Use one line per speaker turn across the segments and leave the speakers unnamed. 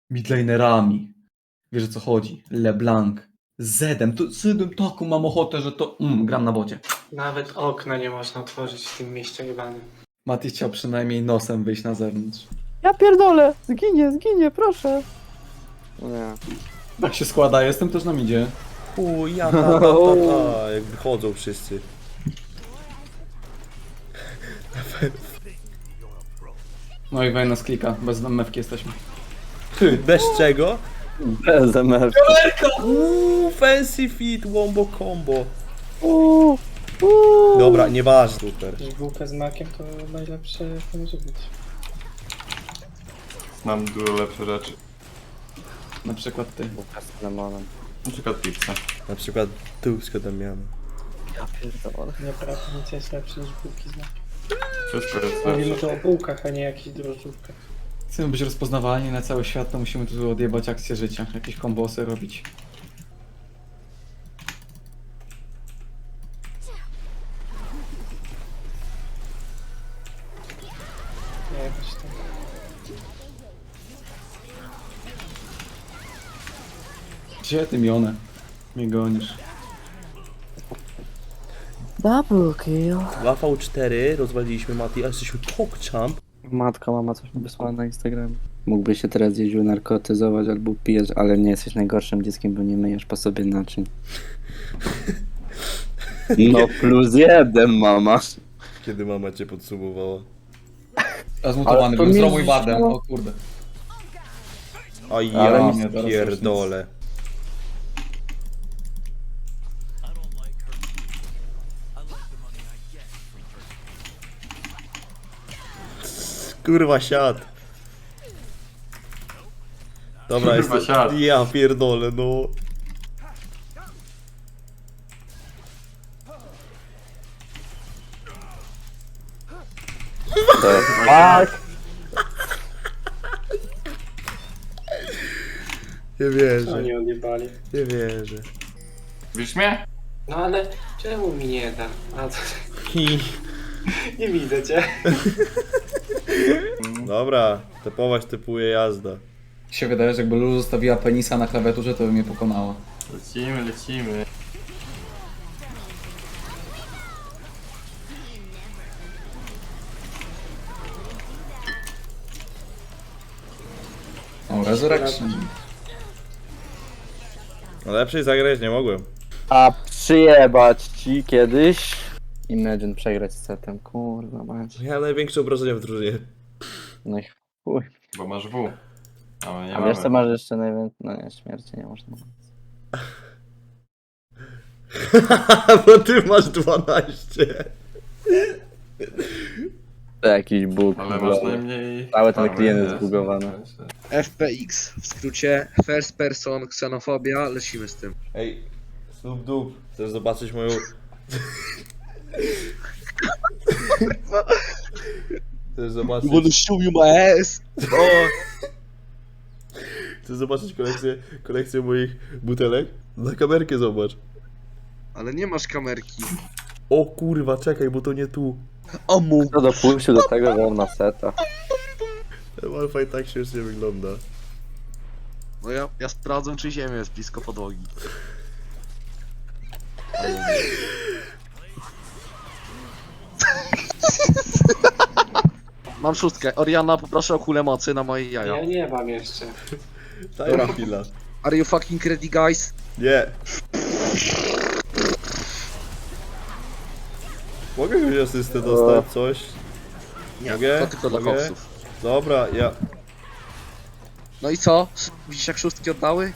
midlanerami. Wiesz o co chodzi? LeBlanc. Zedem. Zedem taką mam ochotę, że to... gram na bocie.
Nawet okna nie można otworzyć w tym mieście jebanym.
Mati chciał przynajmniej nosem wyjść na zewnątrz.
Ja pierdolę! Zginie, proszę!
Nie.
Tak się składa, jestem też na midzie.
Chuj, ja jak wychodzą wszyscy.
No i Wejna z klika, bez mewki jesteśmy.
Bez czego?
Bez MF.
Fancy fit, wombo combo.
Uuu.
Dobra, nieważne. Super.
Bułka z makiem to najlepsze jak może być.
Mam dużo lepsze rzeczy.
Na przykład ty.
Bułka z lemonem.
Na przykład pizzę.
Na przykład tułsko Damiana.
Ja pierdolę.
Naprawdę nic jest lepsze niż bułki z makiem.
Wszystko jest
Mówimy
lepsze.
tu o bułkach, a nie jakichś drożdżówkach.
Chcemy być rozpoznawalni na cały świat, to musimy tu odjebać akcję życia. Jakieś kombosy robić.
Nie jakoś tam.
Gdzie ty Mionę? Mnie gonisz.
Double kill.
2v4, rozwaliliśmy Mati, a jesteśmy pokchamp.
Matka, mama coś mi wysłała na Instagram. Mógłbyś się teraz jeździł narkotyzować albo pijesz, ale nie jesteś najgorszym dzieckiem, bo nie myjesz po sobie naczyń. No +1, mama.
Kiedy mama cię podsumowała.
A zmutowany
Ale to
był,
mi
zrobił bardem,
zrzuciło.
o kurde.
A
Ale
ja
mnie teraz
pierdolę. Kurwa siad. Dobra,
Kurwa,
jest.
siad.
Ja pierdolę, no.
Tak!
Nie wierzę,
Oni odjebali.
nie wierzę.
Widzisz mnie?
No ale czemu mi nie da? A to...
Hi.
Nie widzę cię.
Dobra, typuje jazda.
Się wydaje, że jakby Lulu zostawiła penisa na klawiaturze, to by mnie pokonała.
Lecimy, lecimy.
O, Resurrection.
No lepszej zagrać nie mogłem.
A przyjebać ci kiedyś? Imagine przegrać z setem, kurwa mać.
Miałem największe obrażenia w drużynie.
No i chuj.
Bo masz W. A my nie
A wiesz co
mamy.
masz jeszcze najwięcej? No nie, śmierci nie można.
Bo ty masz 12.
To jakiś bóg.
Ale masz najmniej...
Cały ten
farmy,
klient jest
jest.
zbugowany.
FPX, w skrócie First Person Ksenofobia, lecimy z tym.
Ej, Snoop Doob, chcesz zobaczyć moją... Chcesz zobaczyć...
show you my ass!
Chcesz zobaczyć kolekcję moich butelek? Na kamerkę zobacz.
Ale nie masz kamerki.
O kurwa, czekaj, bo to nie tu.
O mu!
Kto dopuścił do tego, że on ma seta?
Ten Wi-Fi tak śmiesznie wygląda.
No ja sprawdzę, czy ziemia jest blisko podłogi. Mam szóstkę. Oriana, poproszę o kulę mocy na moje
Ja
jaja.
nie mam jeszcze.
Daj mi chwila.
Are you fucking ready, guys?
Nie. Mogę jakąś asystę dostać, coś?
Nie,
Mogę?
to tylko dla
Mogę?
koksów.
Dobra, ja...
No i co? Widzisz jak szóstki oddały?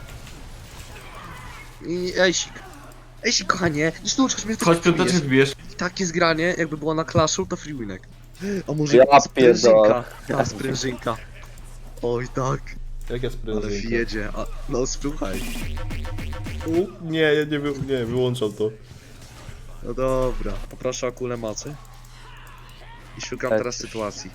I Ejsik. Ejsik, kochanie, nie sztuczkasz mnie,
Chodź piąteczek wbijesz.
I takie zgranie, jakby było na Clashu, to free winek. A może
Ja
sprężynka?
pierdolę.
Ta sprężynka. Oj tak,
Jak ja
ale
sprężynka?
wjedzie. A, no słuchaj.
Nie, ja nie, wyłączam to.
No dobra, poproszę o kulę mocy. I szukam
Tak.
teraz sytuacji.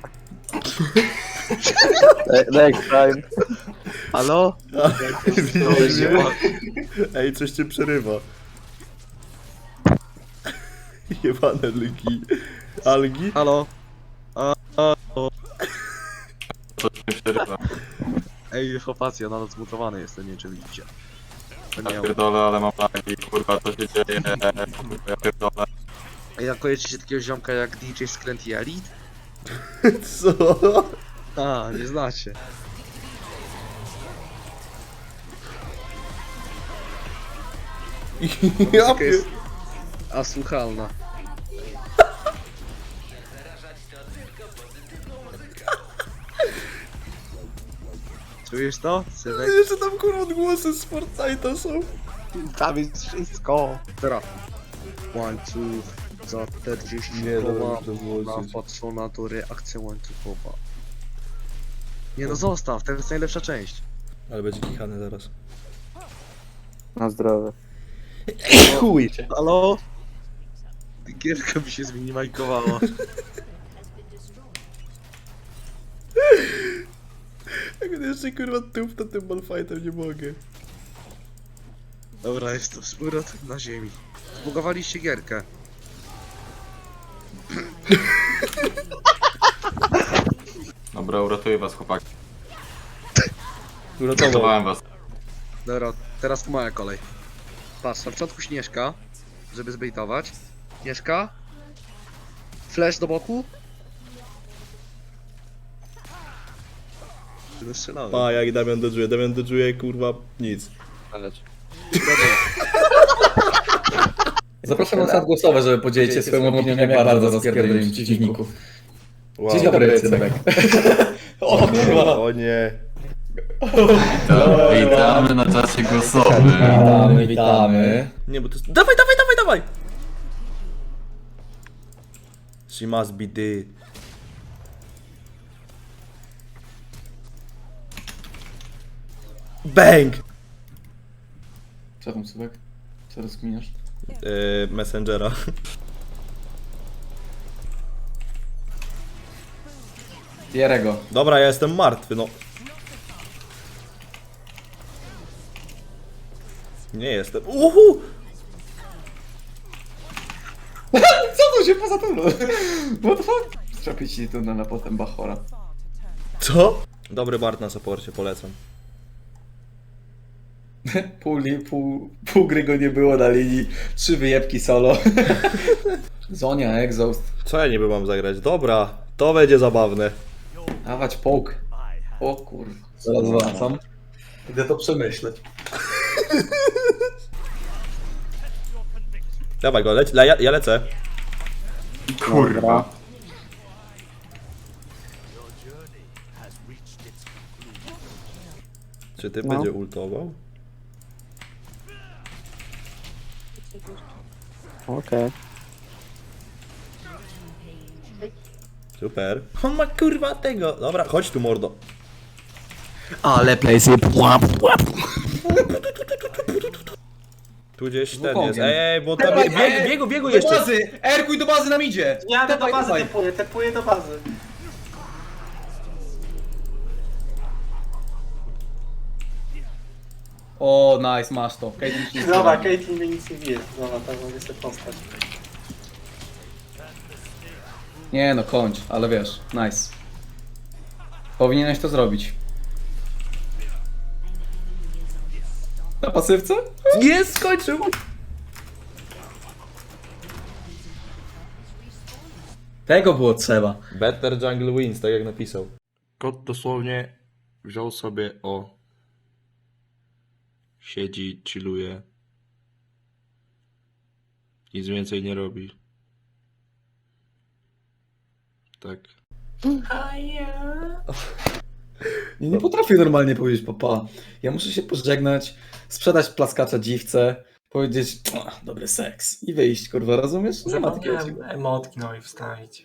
Next time.
Halo?
Widzisz mnie? Ej, coś cię przerywa. Jebane lgi. Algi?
Halo?
To się przerywa.
Ej, chłopacy, ja nadal zmutowany jestem, nie wiem czy widzicie. To nie
Ja
ja.
pierdolę, ale mam lagi, kurwa, co się dzieje? Ja pierdolę.
Ej, a kojarzycie takiego ziomka jak DJ Skręt i Elite?
Co?
A, nie znacie.
Ja
Taka
pier...
jest asłuchalna. Czujesz to, synek?
Jeszcze tam kurwa odgłosy z Fortnite'a są.
Tam jest wszystko. Teraz. Łańcuch za 40
Nie, dobra,
koła.
to włączyć.
Napatrzona to reakcja łańcuchowa. Nie no zostaw, to jest najlepsza część.
Ale będzie kichany zaraz.
Na zdrowie.
Chuj!
Halo? Gierka mi się zminimajkowała.
Jak on jeszcze kurwa tupta tym malfightem, nie mogę.
Dobra, jest to z powrotem na ziemi. Zbugowaliście gierkę.
Dobra, uratuję was, chłopaki.
Uratował.
Uratowałem was.
Dobra, teraz to moja kolej. Patrz, na początku Śnieżka, żeby zbejtować. Śnieżka. Flash do boku. Wystrzelałem.
A, jak Damian dodżuje kurwa nic.
Zapraszam na czat głosowy, żeby podzielić się swoją opinią, jak bardzo rozpierdolili przeciwników.
Wow.
Dzień dobry, Cymek. O kurwa.
O nie.
Witamy na czasie głosowym.
Witamy, witamy.
Nie, bo to jest... Dawaj, dawaj, dawaj, dawaj! She must be dead. Bang!
Co tam, Cymek? Co rozkminiasz?
Messengera.
Jerego.
Dobra, ja jestem martwy, no. Nie jestem. Uhu!
Co tu się poza tym? What the fuck? Strzepić ci tu na potem Bachora.
Co? Dobry Bart na supporcie, polecam.
Pół gry go nie było na linii. 3 wyjebki solo. Zonia, Exhaust.
Co ja niby mam zagrać? Dobra, to będzie zabawne.
Dawać poke. O kurwa. Zaraz wracam. Idę to przemyśleć.
Dawaj go, ja lecę.
Kurwa.
Czy ty
No.
będzie ultował?
Okej.
Super. On ma kurwa tego. Dobra, chodź tu mordo.
Ale playsy.
Tu gdzieś ten
Wukongiem.
jest. Ej, bo tam biegu jeszcze.
bazy! Erkuj do bazy nam idzie!
Jadę do
Dawaj,
bazy,
dawaj.
tepuję do bazy.
O, nice, masz to. Caitlyn ci nie
Dobra,
zbiera.
Caitlyn mnie nic nie bije. Dobra, tak mogę sobie postać.
Nie no, kończ, ale wiesz, nice. Powinieneś to zrobić. Na pasywce?
Jest, skończył!
Tego było trzeba.
Better jungle wins, tak jak napisał.
Kot dosłownie wziął sobie siedzi, chilluje. Nic więcej nie robi. Tak.
Nie potrafię normalnie powiedzieć papa. Ja muszę się pożegnać, sprzedać plaskacza dziwce, powiedzieć dobry seks i wyjść, kurwa, rozumiesz? Nie ma takiego czegoś.
Zapomniałem emotki no i wstawić.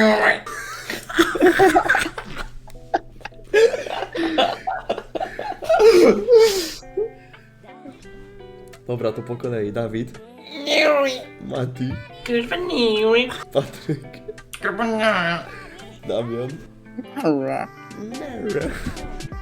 Dobra, to po kolei. Dawid. Mati. Patryk. Damian.